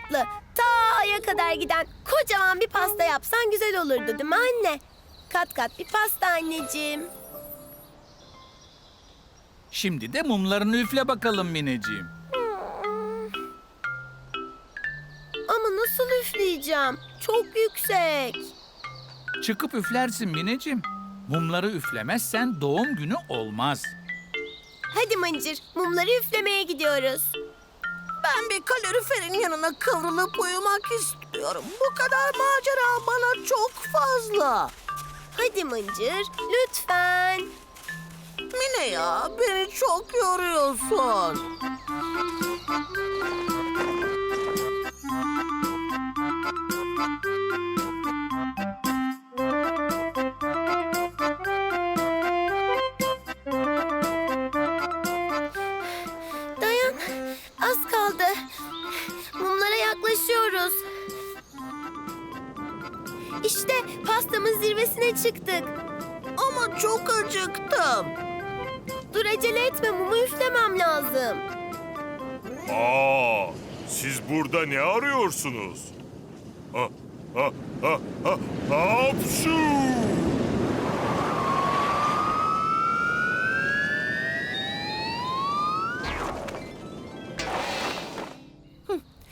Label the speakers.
Speaker 1: tatlı. Ta aya kadar giden kocaman bir pasta yapsan güzel olurdu değil mi anne? Kat kat bir pasta anneciğim.
Speaker 2: Şimdi de mumlarını üfle bakalım Mineciğim.
Speaker 1: Ama nasıl üfleyeceğim? Çok yüksek.
Speaker 2: Çıkıp üflersin Mineciğim. Mumları üflemezsen doğum günü olmaz.
Speaker 1: Hadi Mıncır, mumları üflemeye gidiyoruz.
Speaker 3: Ben bir kaloriferin yanına kıvrılıp uyumak istiyorum. Bu kadar macera bana çok fazla.
Speaker 1: Hadi Mıncır, lütfen.
Speaker 3: Mine ya, beni çok yoruyorsun.
Speaker 1: Dayan, az kaldı. Mumlara yaklaşıyoruz. İşte pastamın zirvesine çıktık.
Speaker 3: Ama çok acıktım.
Speaker 1: Dur acele etme, mumu üflemem lazım.
Speaker 4: Siz burada ne arıyorsunuz? Ha, ha, ha, ha, hapşu!